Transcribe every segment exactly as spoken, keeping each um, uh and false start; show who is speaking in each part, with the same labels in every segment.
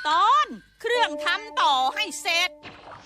Speaker 1: ตอนเครื่องทำต่อให้เสร็จ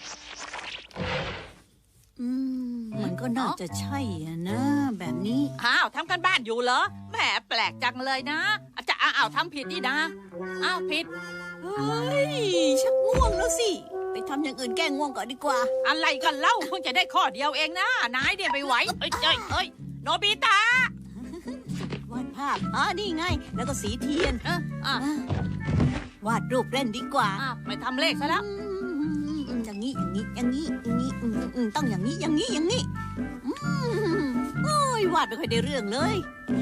Speaker 2: อืมมันก็น่าจะใช่อะนะแบบนี้
Speaker 1: อ้าวทำกันบ้านอยู่เหรอแหมแปลกจังเลยนะอาจจะอ้าวทำผิดนี่นะอ้าวผิด
Speaker 2: เฮ้ยชักง่วงแล้วสิไปทำอย่างอื่นแก้ง่วงก่อนดีกว่า
Speaker 1: อะไรกันเล่าเพิ่งจะได้ข้อเดียวเองนะนายเนี่ยไม่ไหวเอ้ยเอ้ยเอ้ยโนบิตะ
Speaker 2: วาดภาพอ๋อนี่ไงแล้วก็สีเทียน
Speaker 1: เอออ่ะ
Speaker 2: วาดรูปเล่นดีกว่า
Speaker 1: อ้าวไม่ทำเลขซะแล้ว
Speaker 2: อย่างนี้อย่างนี้อย่างนี้อย่างนี้ต้องอย่างนี้อย่างนี้อย่างนี้โอ้ยวาดไม่ค่อยได้เรื่องเลย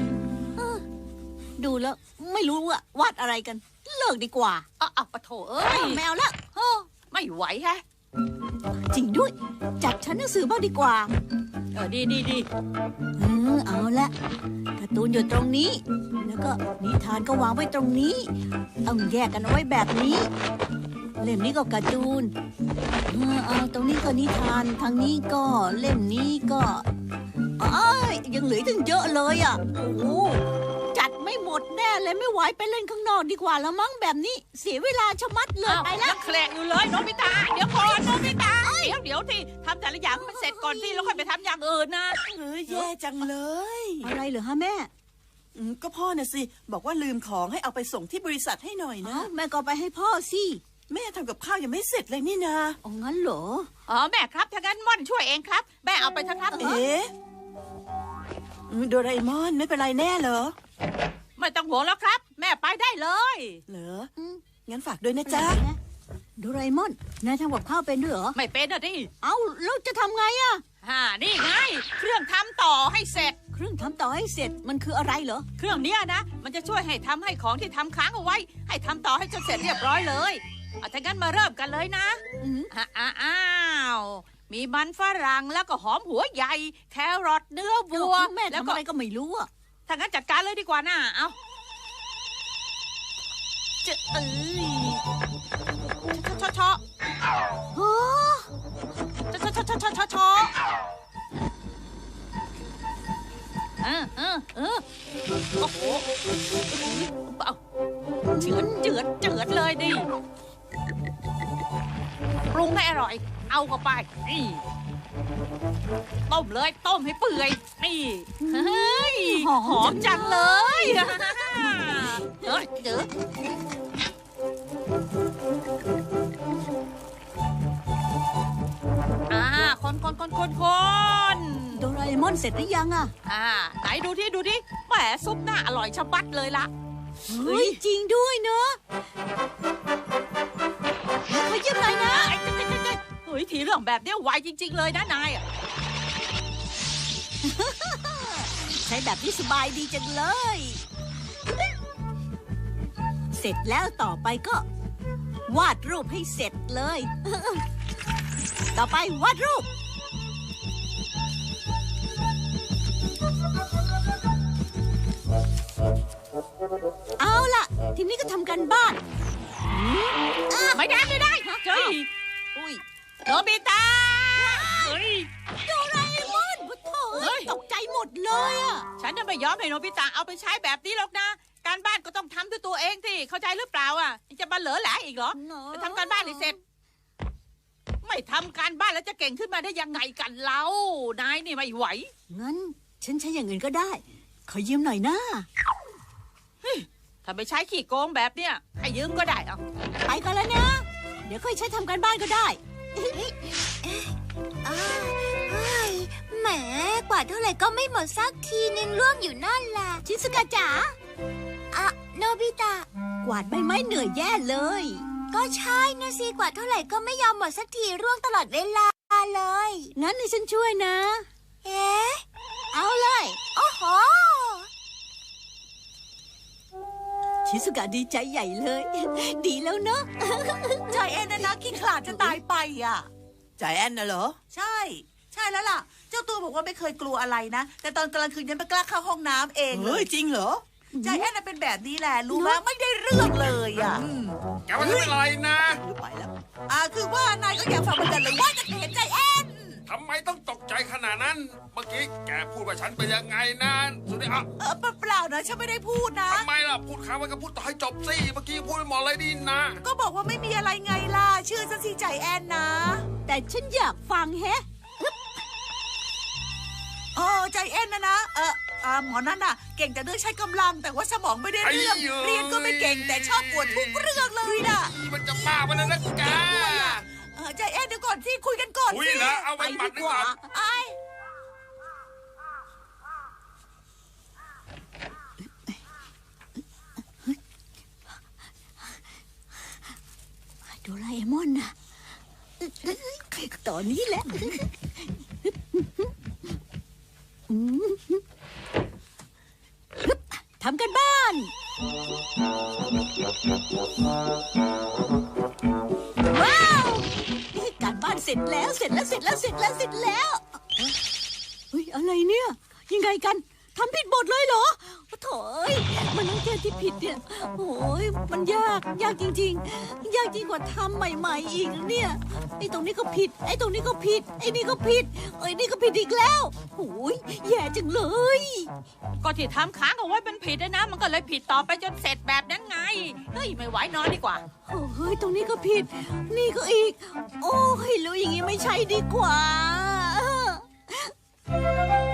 Speaker 2: ดูแล้วไม่รู้ว่าวาดอะไรกันเลิกดีกว่า
Speaker 1: อ้าวปะโถเอ้ย
Speaker 2: แมวละ
Speaker 1: ไม่ไหวแฮะ
Speaker 2: จริงด้วยจัดชั้นหนังสือบ้างดีกว่า
Speaker 1: เออดีดีดี
Speaker 2: เออเอาละการ์ตูนอยู่ตรงนี้แล้วก็นิทานก็วางไว้ตรงนี้ต้องแยกกันเอาไว้แบบนี้เล่มนี้ก็การ์ตูนเออเอาตรงนี้ก็นิทานทางนี้ก็เล่มนี้ก็อ้ายยังเหลือถึงเยอะเลยอ่ะโอ้โหจัดไม่หมดแน่เลยไม่ไหวไปเล่นข้างนอกดีกว่าแล้วมั้งแบบนี้เสียเวลาชะมัดเลยไปแล้ว
Speaker 1: แคลงอยู่เลยโนบิตะเดี๋ยวก่อนโนบิตะเดี๋ยวเดี๋ยวที่ทำแต่ละอย่างมันเสร็จก่อนที่แล้วค่อยไปทำอย่างอื่นนะ
Speaker 3: เออแย่จังเลย
Speaker 2: อะไรเหรอฮะแม่
Speaker 3: ก็พ่อน่ะสิบอกว่าลืมของให้เอาไปส่งที่บริษัทให้หน่อยนะ
Speaker 2: แม่ก็ไปให้พ่อสิ
Speaker 3: แม่ทำกับข้าวยังไม่เสร็จเลยนี่นา
Speaker 2: อ๋องั้นเหรอ
Speaker 1: อ๋อแม่ครับถ้างั้นม่อนช่วยเองครับแม่เอาไปทั้งครับ
Speaker 3: เอ๊ะโดราเอมอนไม่เป็นไรแน่เหรอ
Speaker 1: ไม่ต้องห่วงแล้วครับแม่ไปได้เลย
Speaker 3: เหรองั้นฝากด้วยนะจ๊ะ
Speaker 2: โดราเอมอนนายทำกับข้าวเป็นด้วยเหรอ
Speaker 1: ไม่เป็นนะดิ
Speaker 2: เอ้าแล้วจะทำไงอะ
Speaker 1: ฮ่านี่ไงเครื่องทำต่อให้เสร็จ
Speaker 2: เครื่องทำต่อให้เสร็จมันคืออะไรเหรอ
Speaker 1: เครื่องเนี้ยนะมันจะช่วยให้ทำให้ของที่ทำค้างเอาไว้ให้ทำต่อให้จนเสร็จเรียบร้อยเลยเอาถ้างั้นมาเริ่มกันเลยนะอ้าวมีมันฝรั่งแล้วก็หอมหัวใหญ่แครอทเนื้อวัว
Speaker 2: แม่ทำอะไรก็ไม่รู้อะ
Speaker 1: ถ้างั้นจัดการเลยดีกว่านะเอาจะเอ้ยชอชอ
Speaker 2: โอ้
Speaker 1: ชอชอชอชอชอชอเออเออเออโอ้โหเอาเจือดเจือดเจือดเลยดิปรุงให้อร่อยเอาเข้าไปนี่ต้มเลยต้มให้เปื่อยนี่เฮ้ยหอมจังเลยเออเจออ่าคนคนคนคนคน
Speaker 2: โดราเอมอนเสร็จหรือยังอ่ะ
Speaker 1: อ่าไหนดูที่ดูที่แหมซุปหน้าอร่อยชะบัดเลยละ
Speaker 2: เฮ้ยจริงด้วยเนอะขอยืมหน่อยนะ
Speaker 1: เฮ้ยทีเรื่องแบบนี้ไวจริงๆเลยนะนาย
Speaker 2: ใช้แบบนี้สบายดีจังเลยเสร็จแล้วต่อไปก็วาดรูปให้เสร็จเลยต่อไปวาดรูปเอาล่ะทีนี้ก็ทำกันบ้าน
Speaker 1: ไม่ได้ไม่ได้เฮ้ยอุ้ยโนบิตะเฮ้ย
Speaker 2: โดราเอมอนพุทโธตกใจหมดเลยอ่ะ
Speaker 1: ฉันจะไม่ยอมให้โนบิตะเอาไปใช้แบบนี้หรอกนะการบ้านก็ต้องทำด้วยตัวเองสิเข้าใจหรือเปล่าอ่ะจะมาเหลือแหละอีกเหรอไปทำการบ้านให้เสร็จไม่ทำการบ้านแล้วจะเก่งขึ้นมาได้ยังไงกันเล่านายนี่ไม่ไหว
Speaker 2: งั้นฉันใช้อย่างอื่นก็ได้ขอยืมหน่อยนะ
Speaker 1: ถ้าไม่ใช้ขี้โกงแบบเนี้ยให้ยืมก็ได้เอา
Speaker 2: ไปกันแล้วนะเดี๋ยวค่อยใช้ทำการบ้านก็ได้
Speaker 4: แหมกว่าเท่าไหร่ก็ไม่หมดสักทีนึงล่วงอยู่นั่นแหละ
Speaker 2: ชิซุกะจ๋า
Speaker 4: อะโนบิตะ
Speaker 2: กวาดใบไม้เหนื่อยแย่เลย
Speaker 4: ก็ใช่นะสิกว่าเท่าไหร่ก็ไม่ยอมหมดสักทีร่วงตลอดเวลาเลย
Speaker 2: งั้นให้ฉันช่วยนะ
Speaker 4: เอ๊ะ
Speaker 2: เอาเลย
Speaker 4: โอ้โห
Speaker 2: ชิซุกะดีใจใหญ่เลยดีแล้วเนอะ
Speaker 3: ใจแอนนะนะขี้ขลาดจะตายไปอ่ะใจแอนน่ะเหรอใช่ใช่แล้วล่ะเจ้าตัวบอกว่าไม่เคยกลัวอะไรนะแต่ตอนกลางคืนยังไม่กล้าเข้าห้องน้ำเองเฮ้ยจริงเหรอใจแอนน่ะเป็นแบบนี้แหละรู้ไหมไม่ได้เรื่องเลยอ่ะ
Speaker 5: แกว่าจะเป็นไรนะ
Speaker 3: ไปแล้วอ่าคือว่านายก็อยากฟังเหมือนกันเลยว่าจะเห็นใจแอน
Speaker 5: ทำไมต้องตกใจขนาดนั้น เมื่อกี้แกพูดว่าฉันเป็นยังไงนะสุดที่อ่ะ
Speaker 3: เออเปล่าๆนะฉันไม่ได้พูดนะ
Speaker 5: ทำไมล่ะพูดค้างไว้ก็พูดต่อให้จบสิเมื่อกี้พูดไปหมดเลยดีนะ
Speaker 3: ก็บอกว่าไม่มีอะไรไงล่ะเชื่อฉันสิใจแอนนะ
Speaker 2: แต่ฉันอยากฟังแฮะ
Speaker 3: เออใจแอนนะนะเอออ่าหมอนั่นน่ะ เก่งแต่เรื่องใช้กำลัง แต่ว่าสมองไม่ได้เรื่อง เรียนก็ไม่เก่งแต่ชอบปวดทุกเรื่องเลยน่ะ
Speaker 5: มันจะบ้าไปแล้วนะแก
Speaker 3: เออใจแอนเดี๋ยวก่อนสิคุยกันก่อน
Speaker 5: อุ้ย
Speaker 3: สิ
Speaker 5: แล้วเอาไว้หมัดดีกว่า
Speaker 3: ไอ้
Speaker 2: โดราเอมอนนะตอนนี้แหละทำกันบ้าน ว้าวการบ้านเสร็จแล้วเสร็จแล้วเสร็จแล้วเสร็จแล้วเสร็จแล้วเฮ้ยอะไรเนี่ยยังไงกันทำผิดบทเลยเหรอโถ่เอ้ยมันต้องแก้ที่ผิดเนี่ยโอ้ยมันยากยากจริงๆยากยิ่งกว่าทำใหม่ๆอีกเนี่ยไอ้ตรงนี้ก็ผิดไอ้ตรงนี้ก็ผิดไอ้นี่ก็ผิดไอ้นี่ก็ผิดอีกแล้วโอ้ยแย่จังเลย
Speaker 1: ก็ที่ทำค้างเอาไว้เป็นผิดนะนะมันก็เลยผิดต่อไปจนเสร็จแบบนั้นไงเฮ้ยไม่ไหวนอนดีกว่า
Speaker 2: เฮ้ยตรงนี้ก็ผิด นี่ก็อีก โอ้ยรู้อย่างงี้ไม่ใช่ดีกว่า